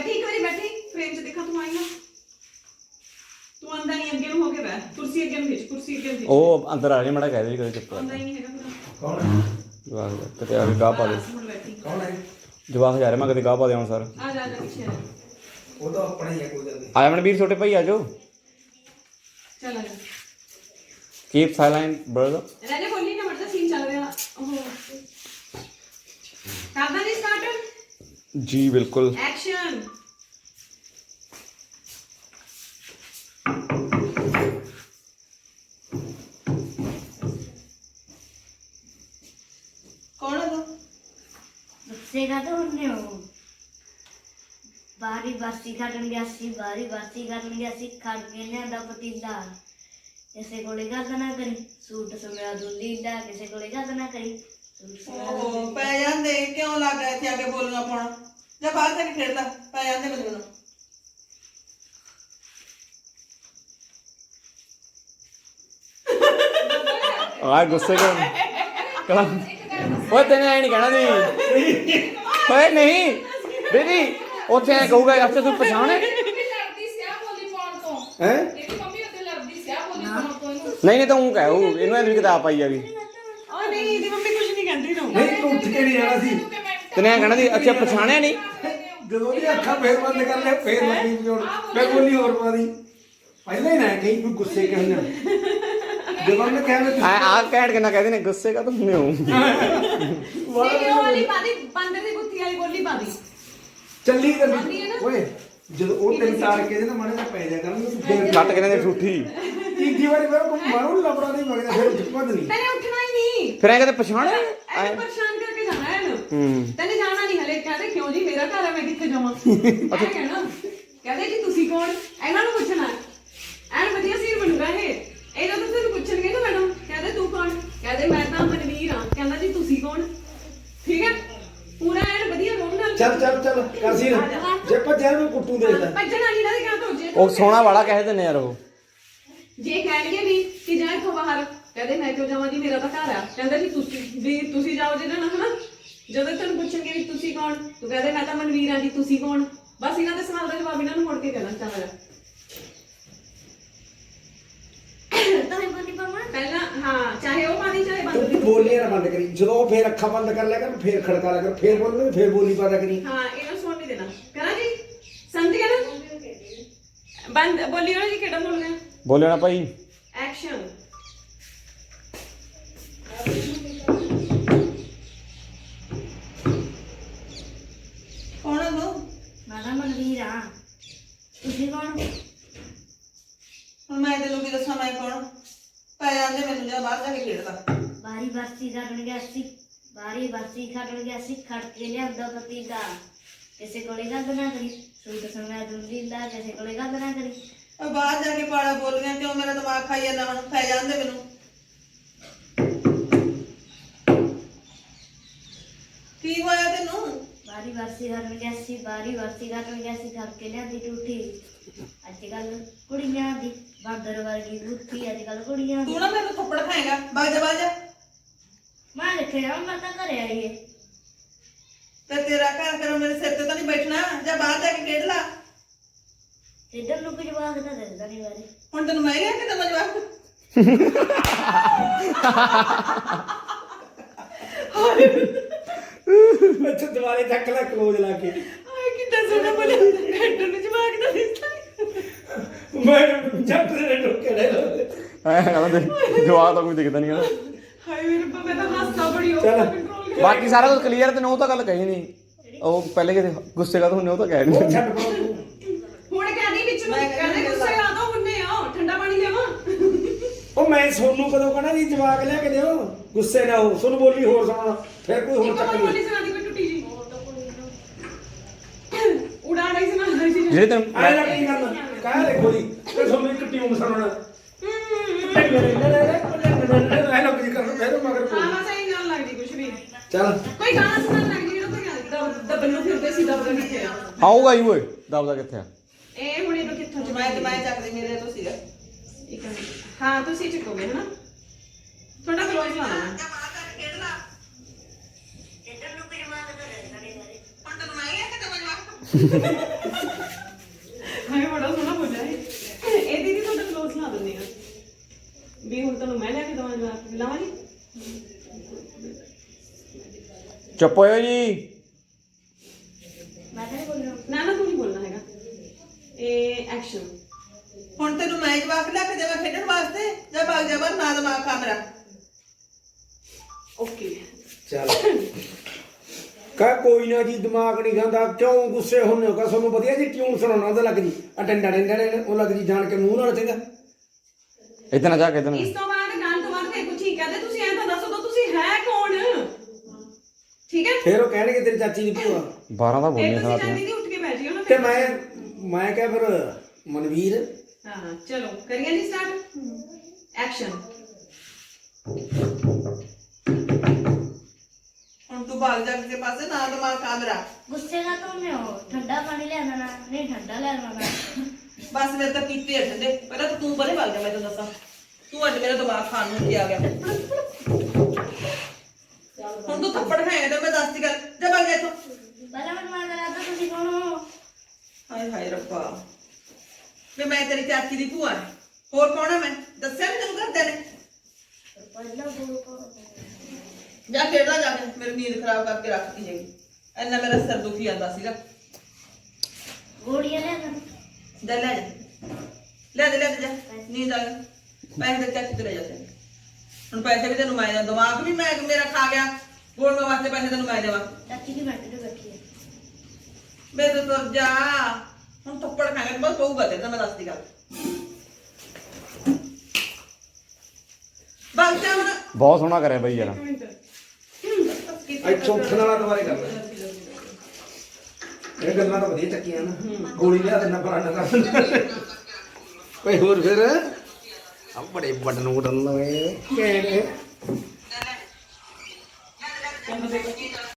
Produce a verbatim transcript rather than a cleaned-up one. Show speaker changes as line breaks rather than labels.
बैठी एक बारी बैठी फ्रेम च देखा तू आई ना तू आंदा नहीं अगे हो के बैठ कुर्सी अगे खिंच कुर्सी अगे खिंच
ओ अंदर आ जा मड़ा कह दे कदे चुप
आंदा ही नहीं हैगा पूरा
कौन है
जवाक किते आके गाह पा दे
हुन बैठी
कौन है
जवाक जा रहा मैं कदे गाह पा दे सर
आ जा आ जा पीछे आ
वो तो अपना ही है कोई गल नहीं
आया मनवीर छोटे भाई आ जाओ
चल आ जा
कीप साइलेंट ब्रदर
राजा बोली ना मरदा सीन चल रहा ओहो करदा नहीं स्टार्ट
जी बिल्कुल
एक्शन कौन है तू
बच्चे का तो हमने हो बारी बासी खड़न गया सी बारी बासी खड़न गया सी खड़ के लिया पतीला किसे कोले गल ना करी सूट समया दुल्ली दा किसे कोले गल ना करी
ਓਹ ਪੈ ਜਾਂਦੇ ਕਿਉਂ ਲੱਗ ਗਿਆ ਇੱਥੇ ਆ ਕੇ ਬੋਲਣਾ ਪਾਉਣਾ ਜਾਂ ਬਾਹਰ ਜਾ ਕੇ ਖੇਡਦਾ ਪੈ ਜਾਂਦੇ ਮੈਨੂੰ ਮੈਨੂੰ
आ गुस्से का कलम ओए तेने ऐ नहीं कहना दी ओए नहीं दीदी ਉੱਥੇ ਐ ਕਹੂਗਾ ਅੱਛਾ ਤੂੰ ਪਛਾਣੇ ਹੈ ਨਹੀਂ ਨਹੀਂ ਤਾਂ ਉਹ ਕਹੂ ਇਹਨੂੰ ਐਂ ਵੀ ਕਿਤਾਬ ਪਾਈ ਆ ਗਈ
ओ नहीं दी मम्मी कुछ नहीं कहती नो
नहीं तू उठ के नहीं जाना सी
ਤੈਨੇ ਐ ਕਹਿਣਾ ਦੀ ਅੱਛਾ ਪਛਾਣਿਆ ਨਹੀਂ
ਜਦੋਂ ਦੀ ਅੱਖਾਂ ਫੇਰ ਬੰਦ ਕਰ ਲੈ ਫੇਰ ਲੱਗੀ ਜੋੜ ਮੈਂ ਬੋਲੀ ਹੋਰ ਪਾਦੀ ਪਹਿਲਾਂ ਹੀ ਨਾ ਕਹੀਂ ਕੋਈ ਗੁੱਸੇ ਕਹਿਣਾ ਜਦੋਂ ਮੈਂ ਕਹਿਣਾ
ਆ ਆ ਕਹਿਣ ਕੇ ਨਾ ਕਹਦੇ ਨੇ ਗੁੱਸੇ ਕਾ ਤੂੰ ਨਹੀਂ ਹੂੰ
नहीं वो वाली पादी बंदर दी बुत्ती वाली बोली पादी
ਚੱਲੀ ਚੱਲੀ ਓਏ ਜਦੋਂ ਉਹ ਤਿੰਨ ਤਾਰ ਕੇ ਨਾ ਮਾੜੇ ਜਿਹਾ ਪੈ ਜਾ ਕਰਾਂਗੇ ਤੂੰ ਫੇਰ
ਕੱਟ ਕੇ ਨੇ ਠੂਠੀ
ਤੀਜੀ ਵਾਰੀ ਫਿਰ ਕੋਈ ਮਾਰੂ ਲਬੜਾ ਨਹੀਂ ਵਗਦਾ ਫਿਰ ਉੱਠ ਪੱਦ ਨਹੀਂ
तेने उठना ही नहीं
ਫਿਰ ਐ ਕਹਦੇ ਪਛਾਣਿਆ
ऐसे परेशान करके जाना है ना
ਹੂੰ
तेने जाना नहीं हले कहते क्यों जी मेरा घर है मैं किथे जावां अच्छा कहना कहते जी तुसी कौन ਇਹਨਾਂ ਨੂੰ ਪੁੱਛਣਾ ਐਨ ਵਧੀਆ ਸੀਰ ਬਣੂਗਾ ਇਹ ਇਹਨਾਂ ਤੋਂ ਤੁਹਾਨੂੰ ਪੁੱਛਣਗੇ ਨਾ ਮੈਡਮ ਕਹਿੰਦੇ ਤੂੰ ਕੌਣ ਕਹਿੰਦੇ ਮੈਂ ਤਾਂ ਮਨਵੀਰ ਹਾਂ ਕਹਿੰਦਾ ਜੀ ਤੁਸੀਂ ਕੌਣ ਠੀਕ ਹੈ ਪੂਰਾ ਐਨ ਵਧੀਆ ਰੋਣ ਨਾਲ
ਚੱਲ ਚੱਲ ਚੱਲ ਕਾਸੀ ਜੇ ਭੱਜਿਆ ਨੂੰ ਕੁੱਟੂ ਦੇ ਲੈ
ਭੱਜਣਾ ਨਹੀਂ ਨਾ ਕਿਹਾ ਤੋਂ ਜੇ
ਉਹ ਸੋਹਣਾ ਵਾਲਾ ਕਹਿ ਦਿੰਦੇ ਯਾਰ ਉਹ
ਜੇ ਕਹਿਣਗੇ ਵੀ ਕਿ ਜਾ ਇੱਥੋਂ ਬਾਹਰ ਕਹਿੰਦੇ ਮੈਂ ਕਿਉਂ ਜਾਵਾਂ ਜੀ ਮੇਰਾ ਤਾਂ ਘਰ ਆ ਕਹਿੰਦਾ ਜੀ ਤੁਸੀਂ ਵੀ ਤੁਸੀਂ ਜਾਓ ਜਿਹਨਾਂ ਨਾਲ ਹਨਾ ਜਦੋਂ ਤੁਹਾਨੂੰ ਪੁੱਛਣਗੇ ਵੀ ਤੁਸੀਂ ਕੌਣ ਤੂੰ ਕਹਿੰਦੇ ਮੈਂ ਤਾਂ ਮਨਵੀਰ ਹਾਂ ਜੀ ਤੁਸੀਂ ਕੌਣ ਬਸ ਇਹਨਾਂ ਦੇ ਸਵਾਲ ਦਾ ਜਵਾਬ ਇਹਨਾਂ ਨੂੰ ਮੁੜ ਕੇ ਦੇਣਾ ਚਾਹਾਂਗਾ
तो ही बोली पामा
ਪਹਿਲਾਂ ਹਾਂ ਚਾਹੇ ਉਹ ਪਾਣੀ ਚਾਹੇ ਬੰਦ
ਤੂੰ ਬੋਲੀ ਨਾ ਬੰਦ ਕਰੀ ਜਦੋਂ ਉਹ ਫੇਰ ਅੱਖਾਂ ਬੰਦ ਕਰ ਲਿਆ ਕਰ ਫੇਰ ਖੜਕਾ ਲਿਆ ਕਰ ਫੇਰ ਬੋਲਣੇ ਫੇਰ ਬੋਲੀ ਪਾਦਾ ਕਰੀ
ਹਾਂ ਇਹਨਾਂ ਸੁਣ ਨਹੀਂ ਦੇਣਾ ਕਰਾਂ ਜੀ ਸਮਝ ਗਏ ਨਾ ਬੰਦ ਬੋਲਿਓ ਨਾ ਜੀ ਕਿਹੜਾ ਬੋਲਣਾ
ਬੋਲਿਓ ਨਾ ਭਾਈ
ਐਕਸ਼ਨ
ਕੌਣ ਹੈ ਤੂੰ
मारा मनवीर हां तुसी कौन
ਹੁਣ ਮੈਂ ਤੈਨੂੰ ਕੀ ਦੱਸਾਂ ਮੈਂ ਕੌਣ ਪੈ ਜਾਂਦੇ ਮੈਨੂੰ ਜਾਂ ਬਾਹਰ ਜਾ ਕੇ ਖੇਡਦਾ
बारी बासी खड़न गया सी बारी बासी खड़न गया सी खड़ के लिया पतीला किसे कोले गल ना करी सूट समया दुल्ली दा किसे कोले गल ना करी
ਉਹ ਬਾਹਰ ਜਾ ਕੇ ਪਾੜਾ ਬੋਲ ਗਿਆ ਕਿਉਂ ਮੇਰਾ ਦਿਮਾਗ ਖਾਈ ਜਾਂਦਾ ਹੁਣ ਪੈ ਜਾਂਦੇ ਮੈਨੂੰ ਕੀ ਹੋਇਆ ਤੈਨੂੰ
बारी बासी खड़न गया सी बारी बासी खड़न गया सी खड़ के लिया दी टूटी अजकल कुड़ियां दी बांदर वर्गी बुद्धि अजकल कुड़ियां
ਤੂੰ ਨਾ ਮੈਨੂੰ ਥੱਪੜ ਖਾਏਗਾ ਬਾਜ ਜਾ ਬਾਜ ਜਾ
मैं रखे मैं तो घरे आई है
ਤੇ ਤੇਰਾ ਘਰ ਕਰੋ ਮੇਰੇ ਸਿਰ ਤੇ ਤਾਂ ਨਹੀਂ ਬੈਠਣਾ ਜਾਂ ਬਾਹਰ ਜਾ ਕੇ ਖੇਡ ਲਾ
इधर नु कुछ बात ना दसदा नहीं बारे
ਹੁਣ ਤੈਨੂੰ ਮੈਂ ਰਿਹਾ ਕਿ ਤੈਨੂੰ ਜਵਾਬ
ਅੱਛਾ ਦੁਬਾਰੇ ਚੱਕ ਲੈ ਕਲੋਜ਼ ਲਾ ਕੇ
ਆਏ ਕਿੱਦਾਂ ਸੋਹਣਾ ਬੋਲਿਆ ਹੈਡਰ ਨੂੰ ਜਵਾਕ ਦਾ ਦਿੱਤਾ
ਮੈਂ ਜੱਟ ਦੇ ਟੋਕੇ ਲੈ ਲਓ
ਐ ਕਹਿੰਦਾ ਜਵਾਬ ਤਾਂ ਕੋਈ ਦਿਖਦਾ ਨਹੀਂ ਹੈ
ਹਾਏ ਮੇਰੇ ਰੱਬਾ ਮੈਂ ਤਾਂ ਹੱਸਦਾ ਬੜੀ ਹੋ
ਚੱਲ।
ਕੰਟਰੋਲ
ਬਾਕੀ ਸਾਰਾ ਕੁਝ ਕਲੀਅਰ ਤੇ ਉਹ ਤਾਂ ਗੱਲ ਕਹੀ ਨਹੀਂ ਉਹ ਪਹਿਲੇ ਕਿਤੇ ਗੁੱਸੇ ਕਾ ਹੁੰਨੇ ਉਹ ਤਾਂ ਕਹਿ
ਉਹ
ਨਹੀਂ
ਛੱਡ ਪਾਉ ਤੂੰ
ਹੁਣ ਕਹਿੰਦੀ ਵਿੱਚ ਨੂੰ
ਮੈਂ ਕਹਿੰਦੀ
ਕਹਿੰਦੇ ਗੁੱਸੇ ਆ ਦੋ ਹੁੰਨੇ ਆ ਠੰਡਾ ਪਾਣੀ ਲਿਆਵਾਂ
ਉਹ ਮੈਂ ਸੋਨੂੰ ਕਦੋਂ ਕਹਣਾ ਜੀ ਜਵਾਕ ਲਿਆ ਕੇ ਦਿਓ ਗੁੱਸੇ ਨਾ ਹੋ ਸੁਣ ਬੋਲੀ ਹੋਰ ਸੁਣਾ ਫਿਰ ਕੋਈ ਹੋਰ
ਇੱਕ
ਚੱਕ
ਹੋਰ
ਲਈ
ਬੋਲੀ ਸੁਣਾ ਦੀ ਕੋਈ ਟੁੱਟੀ ਜੀ ਉਡਾ ਨਹੀਂ ਸੁਣਾ ਰਹੀ ਸੀ
ਜਿਹੜੇ ਤੈਨੂੰ
ਆਏ ਨਾ ਕੀ ਕਰਨਾ ਕਾਹ ਦੇਖੋ ਜੀ ਤੇ ਤੁਹਾਨੂੰ ਇੱਕ ਟਿਊਨ ਸੁਣਾਉਣਾ ਐ ਲੋਕ ਜੀ ਕਰਨ ਫਿਰ ਮਗਰ
ਹਾਂ
ਕੋਈ
ਹਾਂ ਸਹੀ ਗੱਲ ਲੱਗਦੀ ਕੁਛ ਵੀ
ਚੱਲ
ਕੋਈ ਗਾਣਾ ਸੁਣਨ ਲੱਗ ਜੀ ਜਿਹੜਾ ਕੋਈ ਦੱਬਣ ਨੂੰ ਫਿਰਦੇ ਸੀ ਦੱਬਦਾ ਕਿੱਥੇ ਆ
ਆਊਗਾ ਹੀ ਓਏ ਦਬਦਾ ਕਿੱਥੇ ਆ
ਇਹ ਹੁਣ ਇਹਨੂੰ ਕਿੱਥੋਂ
ਜਮਾਇ ਜਮਾਇ ਚੱਕਦੇ ਮੇਰੇ ਤੋਂ ਸੀਗਾ
ਇੱਕ ਮਿੰਟ ਹਾਂ ਤੁਸੀਂ ਚੱਕੋਗੇ ਹਨਾ ਥੋੜਾ ਕਲੋਜ਼ ਲਾਣਾ
ਜਾਂ ਬਾਹਰ ਜਾ ਕੇ ਖੇਡ ਲਾ
इधर नु कुछ बात ना दसदा नहीं बारे
ਹੁਣ ਤੈਨੂੰ ਮੈਂ ਰਿਹਾ ਕਿ ਤੈਨੂੰ ਜਵਾਬ
ਹਾਏ ਬੜਾ ਸੋਹਣਾ ਬੋਲਿਆ ਇਹ ਇਹ ਦੀਦੀ ਤੁਹਾਡਾ ਕਲੋਜ਼ ਲਾ ਦਿੰਦੇ ਆ ਵੀ ਹੁਣ ਤੁਹਾਨੂੰ ਮੈਂ ਲੈ ਕੇ ਦਵਾਂ ਜਵਾਬ ਲਾਵਾਂ ਜੀ
ਚੁੱਪ ਹੋਇਓ ਜੀ।
ਮੈਂ ਤਾਂ ਨਹੀਂ ਬੋਲ ਰਿਹਾ
ਨਾ ਨਾ ਤੂੰ ਨਹੀਂ ਬੋਲਣਾ ਹੈਗਾ ਇਹ ਐਕਸ਼ਨ
ਹੁਣ ਤੈਨੂੰ ਮੈਂ ਜਵਾਕ ਲੈ ਕੇ ਦੇਵਾਂ ਖੇਡਣ ਵਾਸਤੇ ਜਾਂ ਭਾਗ ਜਾ ਬਾਹਰ, ਨਾ ਦਿਮਾਗ ਖਾ ਮੇਰਾ।
ਓਕੇ
ਚੱਲ ਕਾ ਕੋਈ ਨਾ ਜੀ, ਦਿਮਾਗ ਨਹੀਂ ਖਾਂਦਾ, ਕਿਉਂ ਗੁੱਸੇ ਹੁੰਨੇ ਹੋ? ਕਾ ਤੁਹਾਨੂੰ ਵਧੀਆ ਜੀ ਟਿਊਨ ਸੁਣਾਉਣਾ ਉਹਦਾ ਲੱਗ ਜੀ ਆ ਡੰਡਾ ਡੰਡਾ ਡੰਡਾ, ਉਹ ਲੱਗ ਜੀ ਜਾਣ ਕੇ ਮੂੰਹ ਨਾਲ ਚੰਗਾ।
ਇਤਨਾ ਜਾ ਕੇ ਇਤਨਾ
ਇਸ ਤੋਂ ਬਾਅਦ ਗਾਣ ਤੋਂ ਬਾਅਦ ਫਿਰ ਕੁਝ ਹੀ ਕਹਦੇ ਤੁਸੀਂ ਐਂ ਤਾਂ ਦੱਸੋ ਤਾਂ ਤੁਸੀਂ ਹੈ ਕੌਣ ਠੀਕ ਹੈ
ਫਿਰ ਉਹ ਕਹਿਣਗੇ ਤੇਰੀ ਚਾਚੀ ਦੀ ਭੂਆ।
ਬਾਰਾਂ ਦਾ
ਫਿਰ
ਬੋਲਣੀ
ਤੁਸੀਂ
ਸਾਲਾ
ਜਾਂਦੀ ਦੀ ਉੱਠ ਕੇ ਬੈਠ ਜਿਓ ਨਾ
ਤੇ
ਫਿਰ।
ਮੈਂ ਮੈਂ ਕਿਹਾ ਫਿਰ ਮਨਵੀਰ
ਹਾਂ ਚਲੋ ਕਰੀਏ ਜੀ ਸਟਾਰਟ ਐਕਸ਼ਨ
ਹੁਣ ਤੂੰ ਭਾਗ ਜਾ ਕਿਸੇ ਪਾਸੇ, ਨਾ ਦਿਮਾਗ ਖਾ ਮੇਰਾ।
ਗੁੱਸੇ ਨਾ ਤੋਂ ਹੋ, ਠੰਡਾ ਪਾਣੀ ਲੈ ਆਣਾ ਨਹੀਂ ਠੰਡਾ ਲੈ ਆਣਾ
ਬਸ ਮੇਰੇ ਤਾਂ ਕੀਤੇ ਆ ਠੰਡੇ। ਪਹਿਲਾਂ ਤਾਂ ਤੂੰ ਬਰੇ ਭਾਗ ਜਾ, ਮੈਂ ਤੈਨੂੰ ਦੱਸਾਂ। ਤੂੰ ਅੱਜ ਮੇਰਾ ਦਿਮਾਗ ਖਾਣ ਨੂੰ ਕੀ ਆ ਗਿਆ। ਹੁਣ ਤੂੰ ਥੱਪੜ ਖਾਏਗਾ ਤੇ ਮੈਂ ਦੱਸਦੀ ਗੱਲ, ਜਾ ਭਾਗ ਜਾ ਇੱਥੋਂ।
ਪਹਿਲਾਂ ਮੈਨੂੰ ਮਾਰ ਕਰਾ ਤੁਸੀਂ ਕੌਣ ਹੋ?
ਹਾਏ ਹਾਏ ਰੱਬਾ, ਵੀ ਮੈਂ ਤੇਰੀ ਚਾਚੀ ਦੀ ਭੂਆ ਹਾਂ। ਹੋਰ ਕੌਣ ਆ ਮੈਂ? ਦੱਸਿਆ ਨੀ ਤੈਨੂੰ ਘਰਦਿਆਂ ਨੇ?
ਪਹਿਲਾਂ ਬੋਲ ਕੋ
ਜਾ ਖੇਡਦਾ ਜਾ ਕੇ, ਮੇਰੀ ਨੀਂਦ ਖਰਾਬ ਕਰਕੇ ਰੱਖਦੀ ਹੈਗੀ। ਇੰਨਾ ਮੇਰਾ ਸਿਰ ਦੁਖੀ ਆਂਦਾ ਸੀਗਾ।
ਗੋੜੀਆਂ ਲੈ ਆਣਾ
ਜਾ ਲੈ ਜਾ, ਲੈ ਦੇ ਲੈ ਦੇ ਜਾ, ਨੀਂਦ ਆ ਗਈ। ਪੈਸੇ ਦੇ ਚਾਚੀ ਤੇ ਲੈ ਜਾ ਤੈਨੂੰ। ਹੁਣ ਪੈਸੇ ਵੀ ਤੈਨੂੰ ਮੈਂ ਦੇਵਾਂ, ਦਿਮਾਗ ਵੀ ਮੈਂ ਮੇਰਾ ਖਾ ਗਿਆ। ਗੋਲਮੇ ਵਾਸਤੇ ਪੈਸੇ ਤੈਨੂੰ ਮੈਂ ਦੇਵਾਂ।
ਚਾਚੀ ਦੀ ਬੈਠ ਤੇ ਬੈਠੀ ਹੈ
ਬੇ ਤੂੰ ਤੁਰ ਜਾ। ਹੁਣ ਥੱਪੜ ਖਾਏਗਾ ਬਸ ਪਊਗਾ ਤੇ ਮੈਂ ਦੱਸਦੀ ਗੱਲ। ਬਾਗ ਜਾ ਹੁਣ।
ਬਹੁਤ ਸੋਹਣਾ ਕਰਿਆ ਬਈ ਯਾਰ।
ਇੱਥੋਂ ਉੱਠਣ ਵਾਲਾ ਦੁਬਾਰੇ ਕਰ ਲੈ। ਇਹ ਗੱਲਾਂ ਤਾਂ ਵਧੀਆ ਚੱਕੀਆਂ ਨਾ, ਗੋਲੀ ਲਿਆ ਦੇਣਾ ਪਰਾਣਾ ਕਰ ਦਿੰਦਾ। ਓਏ ਹੋਰ ਫਿਰ ਆ ਬੜੇ ਬਟਨ ਬਟਨ ਲਵੇ ਕਿਹੜੇ